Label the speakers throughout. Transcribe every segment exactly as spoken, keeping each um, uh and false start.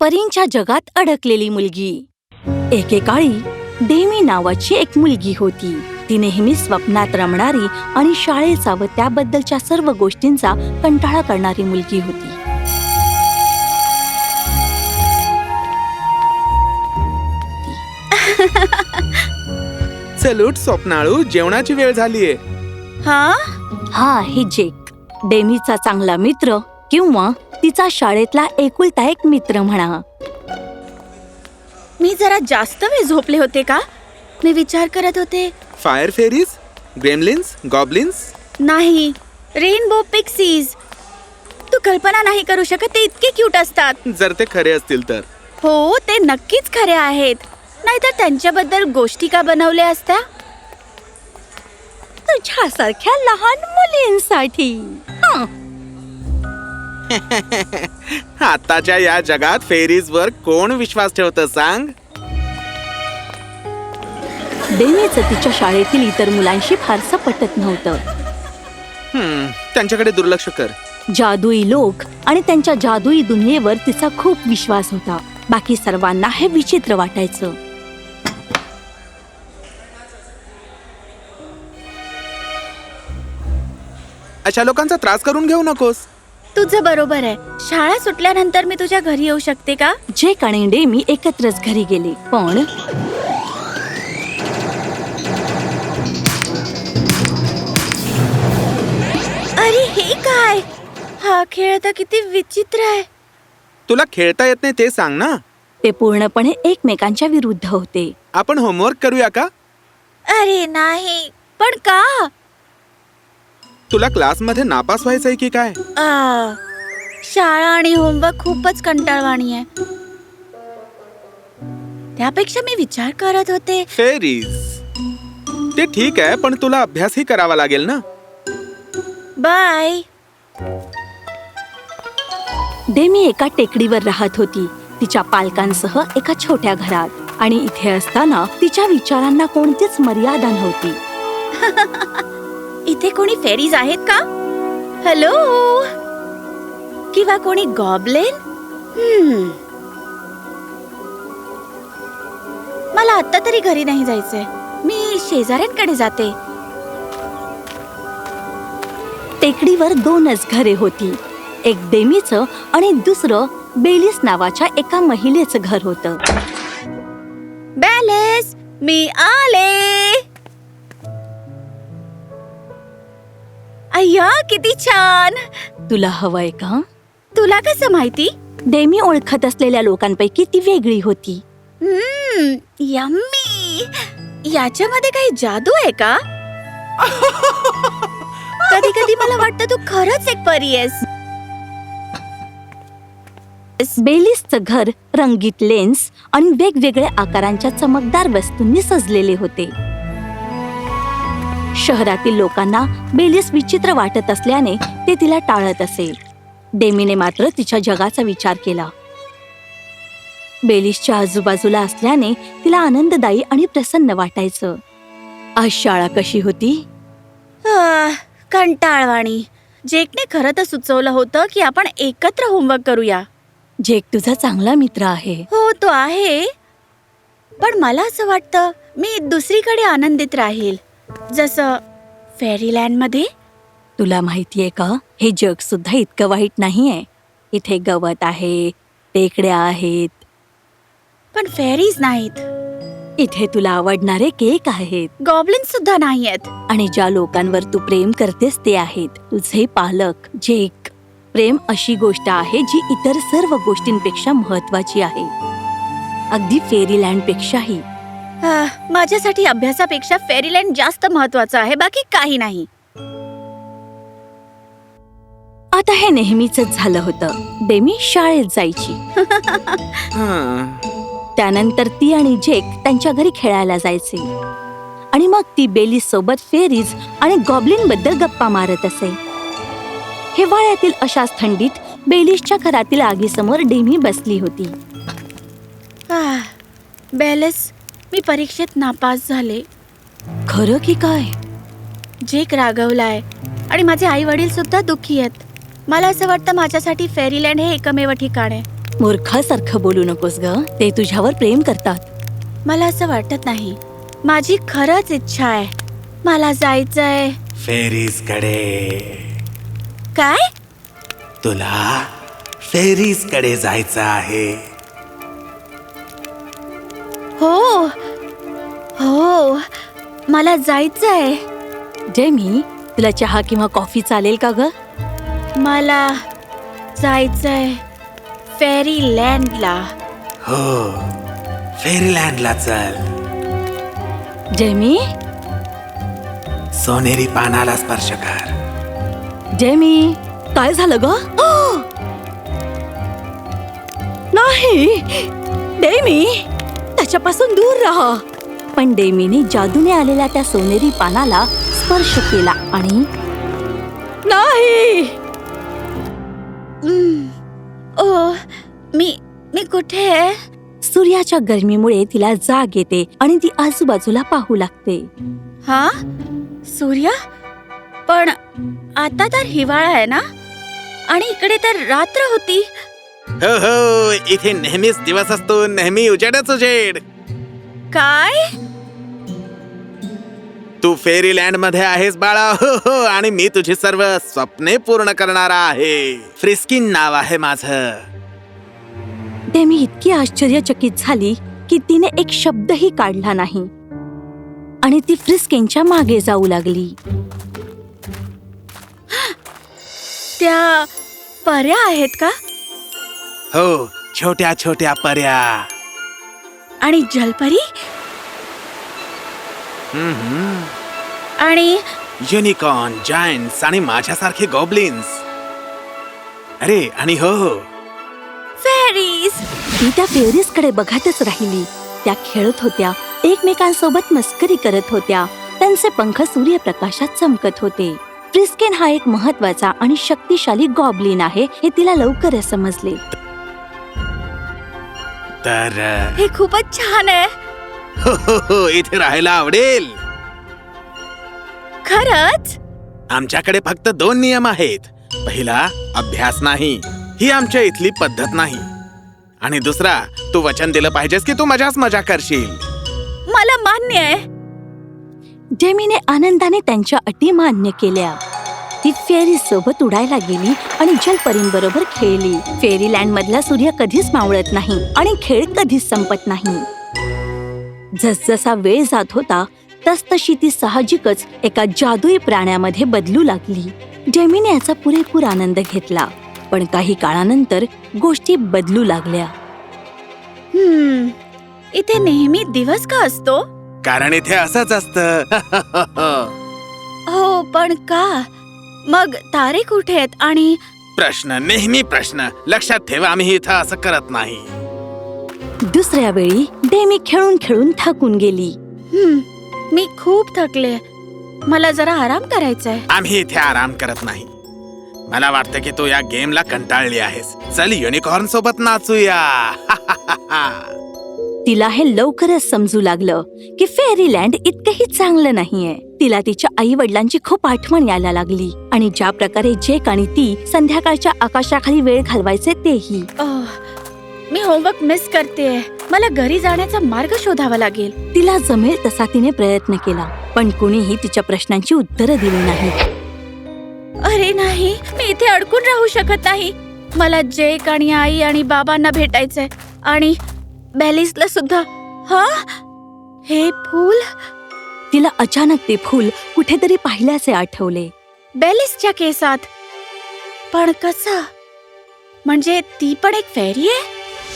Speaker 1: परींच्या जगात अडकलेली मुलगी. एकेकाळी डेमी नावाची एक मुलगी होती. ती नेहमी स्वप्नात रमणारी आणि शाळेचा व त्याबद्दलच्या सर्व गोष्टींचा कंटाळा करणारी मुलगी होती.
Speaker 2: चल उठ स्वप्नाळू, जेवणाची वेळ झालीये.
Speaker 1: हा हा आहे जेक, डेमीचा चांगला मित्र किंवा तिचा शाळेतला एकुलता एक मित्र म्हणा.
Speaker 3: मी जरा जास्त वेळ झोपले होते का? मी विचार करत होते.
Speaker 2: Fire fairies, gremlins, goblins?
Speaker 3: नाही, रेनबो पिक्सीज. तू कल्पना नाही करू शकत, ते इतके क्यूट असतात.
Speaker 2: जर ते खरे असतील तर.
Speaker 3: हो, ते नक्कीच खरे आहेत. नाहीतर त्यांच्याबद्दल गोष्टी का बनवल्या असत्या?
Speaker 1: तुझ्यासारख्या लहान मुलींसाठी.
Speaker 2: आताच्या या जगात फेरीज वर कोण विश्वास ठेवतं सांग?
Speaker 1: डेमीचं तिच्या शाळेतील इतर मुलांशी फारसं पटत नव्हतं.
Speaker 2: हम्म, त्यांच्याकडे दुर्लक्ष कर.
Speaker 1: जादुई लोक आणि त्यांच्या जादुई दुनियेवर तिचा खूप विश्वास होता. बाकी सर्वांना हे विचित्र वाटायचं.
Speaker 2: अशा लोकांचा त्रास करून घेऊ नकोस.
Speaker 3: तुझं बरोबर आहे. शाळा सुटल्यानंतर मी तुझ्या घरी येऊ शकते का?
Speaker 1: जेक आणि डेमी एकत्रच घरी गेले. पण
Speaker 3: अरे हे काय? हा खेळ तर किती विचित्र आहे.
Speaker 2: तुला खेळता येत नाही ते सांग ना.
Speaker 1: ते पूर्णपणे एकमेकांच्या विरुद्ध होते.
Speaker 2: आपण होमवर्क करूया का?
Speaker 3: अरे नाही, पण का?
Speaker 2: तुला क्लासमध्ये नापास व्हायचंय की काय?
Speaker 3: आ, शाळा आणि होमवर्क खूपच कंटाळवाणी आहे. त्यापेक्षा मी विचार करत होते.
Speaker 2: फेरीज ते ठीक आहे, पण तुला अभ्यासही करावा लागेल ना.
Speaker 3: बाय.
Speaker 1: डेमी एका टेकडीवर राहत होती, तिच्या पालकांसह एका छोट्या घरात. आणि इथे असताना तिच्या विचारांना कोणतीच मर्यादा नव्हती.
Speaker 3: इथे कोणी फेरीज आहेत का? हॅलो, किंवा कोणी गॉबलिन? हम्म. मला आता तरी घरी नाही जायचंय. मी शेजाऱ्यांकडे जाते.
Speaker 1: टेकडीवर दोनच घरे होती. एक डेमीचं आणि दुसरं बेलिस नावाच्या एका महिलेचं घर होतं.
Speaker 3: बेलिस, मी आले. अय्या, किती छान.
Speaker 1: तुला हवंय का?
Speaker 3: तुला कसं माहिती?
Speaker 1: डेमी ओळखत असलेल्या लोकांपैकी ती वेगळी होती.
Speaker 3: हम्म, यम्मी. याच्यामध्ये काही जादू आहे का? कधी कधी मला वाटतं तू खरंच एक परी आहेस.
Speaker 1: बेलिसचं घर रंगीत लेन्स आणि वेगवेगळ्या आकारांच्या चमकदार वस्तूंनी सजलेले होते. शहरातील लोकांना बेलिस विचित्र वाटत असल्याने ते तिला टाळत असे. डेमीने मात्र तिच्या जगाचा विचार केला. बेलिसच्या आजूबाजूला असल्याने तिला आनंददायी आणि प्रसन्न वाटायचं. आज शाळा कशी होती?
Speaker 3: आह, कंटाळवाणी. जेकने खरं तर सुचवलं होतं की आपण एकत्र होमवर्क करूया.
Speaker 1: जेक तुझा चांगला मित्र आहे.
Speaker 3: हो, तो आहे. पण मला असं वाटतं मी दुसरीकडे आनंदित राहील, जसं फेरीलँड मध्ये.
Speaker 1: तुला माहितीये का, हे जग सुद्धा इतकं वाईट नाहीये. इथे गवत आहे, टेकड्या आहेत,
Speaker 3: पण फेरीज नाहीत.
Speaker 1: इथे तुला आवडणारे केक आहेत,
Speaker 3: गॉबलिन सुद्धा नाहीयेत.
Speaker 1: आणि ज्या लोकांवर तू प्रेम करतेस ते आहेत तुझे पालक. जेक, प्रेम अशी गोष्ट आहे जी इतर सर्व गोष्टींपेक्षा महत्वाची आहे, अगदी फेरीलँड पेक्षाही.
Speaker 3: आह, माझ्यासाठी अभ्यासापेक्षा फेरीलँड जास्त महत्वाचं आहे, बाकी काही नाही.
Speaker 1: आता हे नेहमीच झालं होतं. डेमी शाळेत जायची.
Speaker 2: हा.
Speaker 1: त्यानंतर ती आणि जेक त्यांच्या घरी खेळायला जायचे. आणि मग ती बेलिस सोबत फेरीज आणि गॉबलिन बद्दल गप्पा मारत असे. हिवाळ्यातील अशाच थंडीत बेलिसच्या घरातील आगीसमोर डेमी बसली होती.
Speaker 3: आह, बेलिस, मी परीक्षेत नापास झाले.
Speaker 1: खरं की काय?
Speaker 3: जेक रागवलाय आणि माझे आई वडील सुद्धा दुःखी आहेत. मला असं वाटतं माझ्यासाठी फेरीलँड हे एकमेव ठिकाण आहे.
Speaker 1: मूर्खासारखं बोलू नकोस ग. ते तुझ्यावर प्रेम करतात.
Speaker 3: मला असं वाटत नाही. माझी खरंच इच्छा आहे. मला जायचंय.
Speaker 4: फेरीज कडे.
Speaker 3: काय?
Speaker 4: तुला फेरीज कडे जायचं आहे.
Speaker 3: हो हो मला जायचंय.
Speaker 1: जेमी, तुला चहा किंवा कॉफी चालेल का ग?
Speaker 3: मला जायचंय फेरी लँडला.
Speaker 4: हो, फेरीलँडला चल.
Speaker 1: जेमी,
Speaker 4: सोनेरी पानाला स्पर्श कर.
Speaker 1: जेमी, काय झालं ग? नाही, डेमी, त्याच्यापासून दूर राहा. पण डेमीने जादूने आलेल्या त्या सोनेरी पानाला स्पर्श केला आणि नाही.
Speaker 3: हम्म. ओ मी मी कुठे आहे?
Speaker 1: सूर्याच्या गरमीमुळे तिला जाग येते आणि ती आजूबाजूला पाहू लागते.
Speaker 3: हा सूर्य, पण आता तर हिवाळा आहे ना, आणि इकडे तर रात्र होती.
Speaker 2: हो हो, इथे नेहमीच दिवस असतो, नेहमी उजेडच उजेड.
Speaker 3: काय?
Speaker 2: तू फेरीलँड मध्ये आहेस बाळा. हो हो, आणि मी तुझी सर्व स्वप्ने पूर्ण करणारा आहे. फ्रिस्किन नाव आहे माझं.
Speaker 1: डेमी इतकी आश्चर्यचकित झाली की तिने एक शब्दही काढला नाही आणि ती फ्रिस्किनच्या मागे जाऊ लागली.
Speaker 3: त्या पऱ्या आहेत का?
Speaker 4: हो, छोट्या छोट्या पर्या.
Speaker 3: आणि जलपरी
Speaker 2: हम्म.
Speaker 3: आणि
Speaker 2: युनिकॉर्न, जायंट्स आणि माझ्यासारखे गॉब्लिन्स. अरे, आणि हो हो,
Speaker 3: फेरीज.
Speaker 1: ती त्या फेरीज कडे बघतच राहिली. त्या खेळत होत्या, एकमेकांसोबत मस्करी करत होत्या. त्यांचे पंख सूर्यप्रकाशात चमकत होते. फ्रिस्किन हा एक महत्वाचा आणि शक्तिशाली गॉब्लिन आहे हे तिला लवकरच समजले.
Speaker 2: तर
Speaker 3: हे खूपच छान आहे.
Speaker 2: हो हो हो, इथे राहायला आवडेल.
Speaker 3: खरंच?
Speaker 2: आमच्याकडे फक्त दोन नियम आहेत. पहिला, अभ्यास नाही, ही आमच्या इथली पद्धत नाही. आणि दुसरा, तू वचन दिलं पाहिजेस की तू मजाच मजा करशील.
Speaker 3: मला मान्य आहे.
Speaker 1: जेमीने आनंदाने त्यांच्या अटी मान्य केल्या. ती फेरी सोबत उडायला गेली आणि जलपरींबरोबर खेळली. फेरीलँड मधला सूर्य कधीच मावळत नाही आणि खेळ कधीच संपत नाही. जसजसा वेळ जात होता तसतशी ती साहजिकच एका जादुई प्राण्यामध्ये बदलू लागली. जेमीने याचा पुरेपूर आनंद घेतला. पण काही काळानंतर गोष्टी बदलू लागल्या.
Speaker 3: हम्म इथे नेहमी दिवस का असतो?
Speaker 2: कारण इथे असंच असतं.
Speaker 3: हो, पण का? मग तारे कुठे आहेत? आणि
Speaker 2: प्रश्न, नेहमी प्रश्न. लक्षात ठेवा, आम्ही इथं असं करत नाही.
Speaker 1: दुसऱ्या वेळी डेमी खेळून खेळून थकून गेली.
Speaker 3: हम्म मी खूप थकले. मला जरा आराम करायचा आहे.
Speaker 2: आम्ही इथे आराम करत नाही. मला वाटतं की तू या गेमला कंटाळली आहेस. चल, युनिकॉर्न सोबत नाचूया.
Speaker 1: तिला हे लवकरच समजू लागलं की फेरीलँड इतकंही चांगलं नाहीये. तिला तिच्या आई वडिलांची खूप आठवण यायला लागली आणि ज्या प्रकारे जेक आणि ती संध्याकाळच्या आकाशाखाली वेळ घालवायचे तेही.
Speaker 3: आह, मी होमवर्क मिस करतेय. मला घरी जाण्याचा मार्ग शोधावा लागेल.
Speaker 1: तिला जमेल तसा तिने प्रयत्न केला, पण कुणीही तिच्या प्रश्नांची उत्तरं दिली नाहीत.
Speaker 3: अरे नाही, मी इथे अडकून राहू शकत नाही. मला जेक आणि आई आणि बाबांना भेटायचंय, आणि बेलिसला सुद्धा. हा, हे फूल.
Speaker 1: तिला अचानक ते फूल कुठेतरी पाहिल्याचे आठवले.
Speaker 3: बेलिसच्या केसात. पण कसं? म्हणजे ती पण एक फेरी आहे?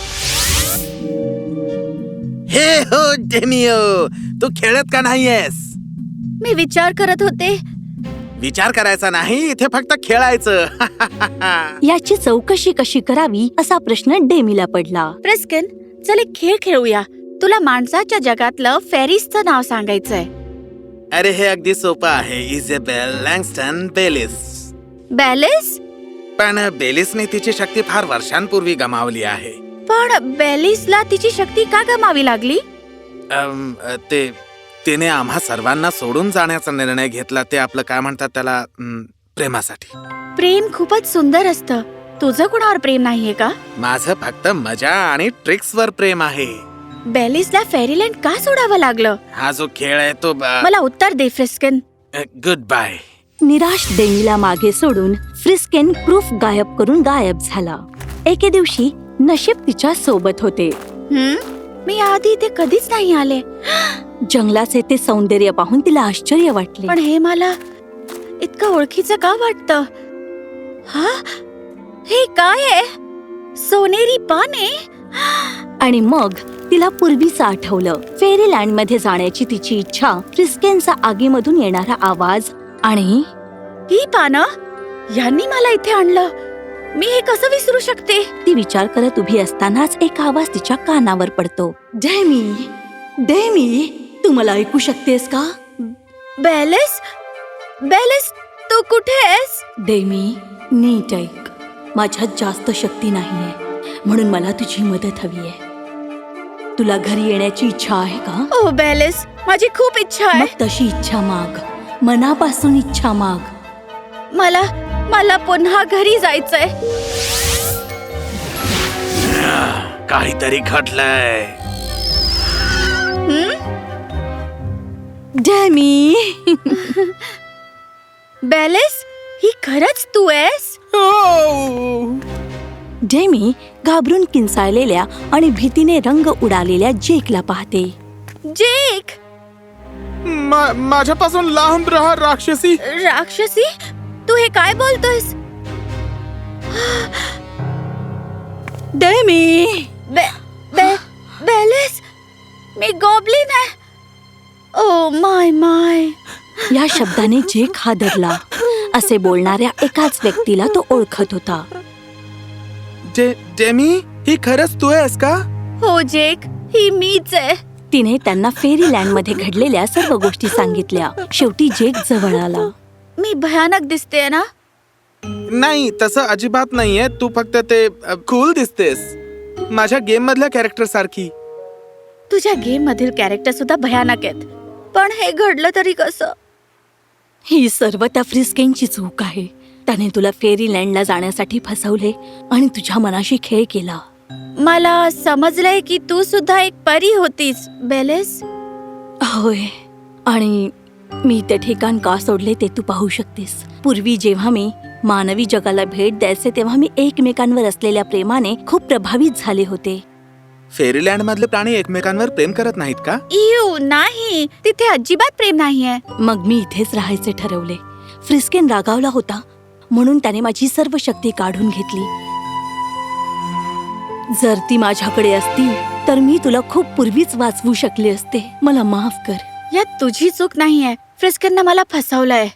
Speaker 2: हे हो डेमिओ, तू खेळत का नाहीयेस?
Speaker 3: मी विचार करत होते.
Speaker 2: विचार करायचा नाही, इथे फक्त खेळायचं.
Speaker 1: याची चौकशी कशी करावी असा प्रश्न डेमीला पडला.
Speaker 3: फ्रिस्किन, चल एक खेळ खेळूया. तुला माणसाच्या जगातलं फेरीजचं नाव सांगायचंय.
Speaker 2: अरे, हे अगदी सोपं आहे. इझेबेल लँगस्टन बेलिस.
Speaker 3: बेलिस?
Speaker 2: पण बेलिसने तिची शक्ती फार वर्षांपूर्वी गमावली आहे.
Speaker 3: पण बेलिसला तिची शक्ती का गमावी लागली?
Speaker 2: अम, ते तिने आम्हा सर्वांना सोडून जाण्याचा निर्णय घेतला. ते आपलं काय म्हणतात त्याला, अम, प्रेमासाठी.
Speaker 3: प्रेम खूपच सुंदर असतं, तुझं कुणावर प्रेम नाहीये का?
Speaker 2: माझं फक्त मजा आणि ट्रिक्स वर प्रेम आहे.
Speaker 3: बेलिसला फेरीलँड का सोडावं लागलं?
Speaker 2: हा जो खेळ आहे तो
Speaker 3: मला उत्तर दे फ्रिस्केन.
Speaker 2: Good bye.
Speaker 1: निराश डेमीला मागे सोडून फ्रिस्केन प्रूफ गायब करून गायब झाला. एके दिवशी नशीब तिच्या सोबत होते.
Speaker 3: हम्म मी आधी इथे कधीच नाही आले.
Speaker 1: जंगलाचे ते सौंदर्य पाहून तिला आश्चर्य वाटले.
Speaker 3: पण हे मला इतकं ओळखीचं का वाटतं? हा हे काय आहे? सोनेरी पाने.
Speaker 1: आणि मग तिला पूर्वीचं आठवलं. फेरीलँड मध्ये जाण्याची तिची इच्छा, फ्रिस्केनचा आगीमधून येणारा आवाज आणि
Speaker 3: ही पानं यांनी मला इथे आणलं. मी हे कसं विसरू शकते?
Speaker 1: ती विचार करत उभी असतानाच एक आवाज तिच्या कानावर पडतो. डेमी, डेमी, तू मला ऐकू शकतेस का?
Speaker 3: बेलिस, बेलिस, तू कुठे आहेस?
Speaker 1: डेमी, नीट ऐक. माझ्यात जास्त शक्ती नाहीये, म्हणून मला तुझी मदत हवी आहे. तुला घरी येण्याची इच्छा आहे का?
Speaker 3: ओ बेलिस, माझी खूप इच्छा आहे.
Speaker 1: मग तशी इच्छा माग, मनापासून इच्छा माग.
Speaker 3: मला मला पुन्हा घरी जायचंय.
Speaker 4: काहीतरी घडलंय.
Speaker 1: डेमी,
Speaker 3: बेलिस, ही खरंच तू आहेस?
Speaker 1: डेमी घाबरून किंचाळलेल्या आणि भीतीने रंग उडालेल्या जेकला पाहते.
Speaker 3: जेक,
Speaker 2: माझ्यापासून लांब राहा राक्षसी.
Speaker 3: राक्षसी, तू हे काय बोलतोयस?
Speaker 1: डेमी,
Speaker 3: बे, बे, बेलिस, मी गॉब्लिन आहे. ओ माय माय.
Speaker 1: या शब्दाने जेक हादरला. असे बोलणाऱ्या एकाच व्यक्तीला तो ओळखत होता.
Speaker 2: जे जेमी, ही खरंच तू आहेस का?
Speaker 3: हो जेक, ही मीच आहे.
Speaker 1: तिने त्यांना फेरीलँड मध्ये घडलेल्या सर्व गोष्टी सांगितल्या. शेवटी जेक जवळ आला.
Speaker 3: मी भयानक दिसते ना?
Speaker 2: नाही, तसं अजिबात नाहीये. तू फक्त ते कूल दिसतेस, माझ्या गेम मधल्या कॅरेक्टर सारखी.
Speaker 3: तुझ्या गेम मधील कॅरेक्टर सुद्धा भयानक आहेत. पण हे घडलं तरी कसं?
Speaker 1: ही सर्व त्या फ्रिस्केनची चूक आहे. त्याने तुला फेरीलँडला जाण्यासाठी फसवले आणि तुझ्या मनाशी खेळ केला.
Speaker 3: मला समजलंय की तू सुद्धा एक परी होतीस बेलिस.
Speaker 1: होय, आणि मी ते ठिकाण का सोडले ते तू पाहू शकतेस. पूर्वी जेव्हा मी मानवी जगाला भेट द्यायचे तेव्हा मी एकमेकांवर असलेल्या प्रेमाने खूप प्रभावित झाले होते.
Speaker 2: फेरीलँड मधले प्राणी एकमेकांवर प्रेम करत नाहीत का?
Speaker 3: इव नाही, तिथे अजिबात प्रेम नाहीये.
Speaker 1: मग मी इथेच राहायचे ठरवले. फ्रिस्केन रागावला होता म्हणून त्याने माझी सर्व शक्ती काढून घेतली. जर ती माझ्याकडे असती तर मी तुला खूप पूर्वीच वाचवू शकले असते. मला माफ कर.
Speaker 3: यात तुझी चूक नाहीये. फ्रिस्केनने मला फसवलंय.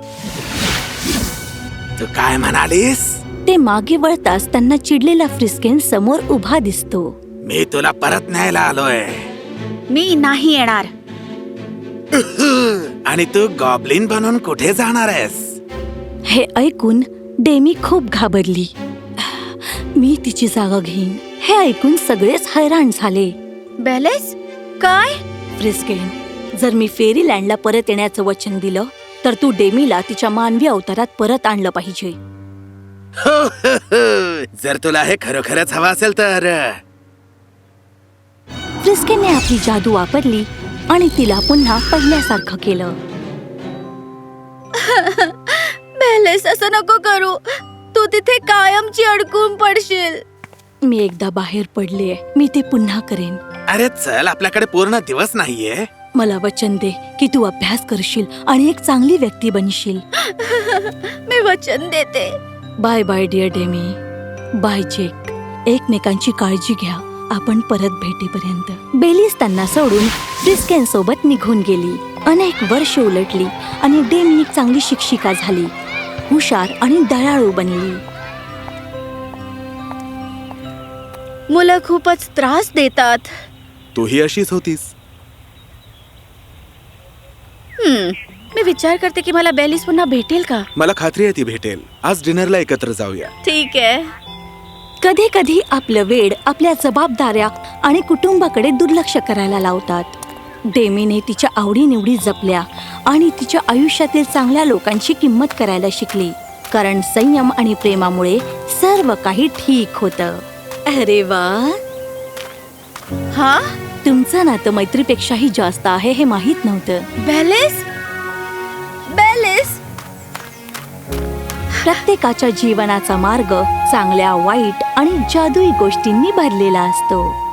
Speaker 4: तू काय म्हणालीस?
Speaker 1: ते मागे वळताच त्यांना चिडलेला फ्रिस्केन समोर उभा दिसतो.
Speaker 4: मी तुला परत न्यायला आलोय.
Speaker 3: मी नाही येणार.
Speaker 4: आणि तू गॉब्लिन बनून कुठे जाणार आहेस?
Speaker 1: हे ऐकून डेमी खूप घाबरली. मी तिची जागा घेईन. हे ऐकून सगळेच हैराण झाले.
Speaker 3: बेलिस, काय?
Speaker 1: फ्रिस्केन, जर मी फेरीलँडला परत येण्याचं वचन दिलं तर तू डेमीला तिच्या मानवी अवतारात परत आणलं पाहिजे.
Speaker 4: हो, हो, हो. जर तुला हे खरोखरच हवं असेल तर.
Speaker 1: फ्रिस्केनने आपली जादू वापरली आणि तिला पुन्हा पहिल्यासारखं केलं.
Speaker 3: बेलिस, असं नको करू. तू तिथे कायमची अडकून पडशील.
Speaker 1: मी एकदा बाहेर पडले, मी ते पुन्हा करेन.
Speaker 4: अरे चल, आपल्याकडे पूर्ण दिवस नाहीये.
Speaker 1: मला वचन दे की तू अभ्यास करशील आणि एक चांगली व्यक्ती बनशील.
Speaker 3: मी वचन देते.
Speaker 1: Bye bye dear Demi. Bye Jake. एकमेकांची काळजी घ्या. आपण परत भेटेपर्यंत. बेलिस त्यांना सोडून फ्रिस्केन सोबत निघून गेली. अनेक वर्ष उलटली आणि डेमी एक चांगली शिक्षिका झाली. हुशार आणि दयाळू बनली.
Speaker 3: मुलं खूपच त्रास देतात.
Speaker 2: तूही अशीच होतीस.
Speaker 3: हम्म मी विचार करते की मला बेलिस पुन्हा भेटेल का?
Speaker 2: मला खात्री आहे ती भेटेल. आज डिनरला एकत्र जाऊया.
Speaker 3: ठीक आहे.
Speaker 1: कधी कधी आपलं वेड आपल्या जबाबदाऱ्या आणि कुटुंबाकडे दुर्लक्ष करायला लावतात. डेमीने तिच्या आवडीनिवडी जपल्या आणि तिच्या आयुष्यातील चांगल्या लोकांची किंमत करायला शिकली. कारण संयम आणि प्रेमामुळे सर्व काही ठीक होतं. अरे वा,
Speaker 3: हा
Speaker 1: तुमचं नातं मैत्रीपेक्षाही जास्त आहे हे माहित नव्हतं.
Speaker 3: बेलिस बेलिस
Speaker 1: प्रत्येकाच्या जीवनाचा मार्ग चांगल्या वाईट आणि जादुई गोष्टींनी भरलेला असतो.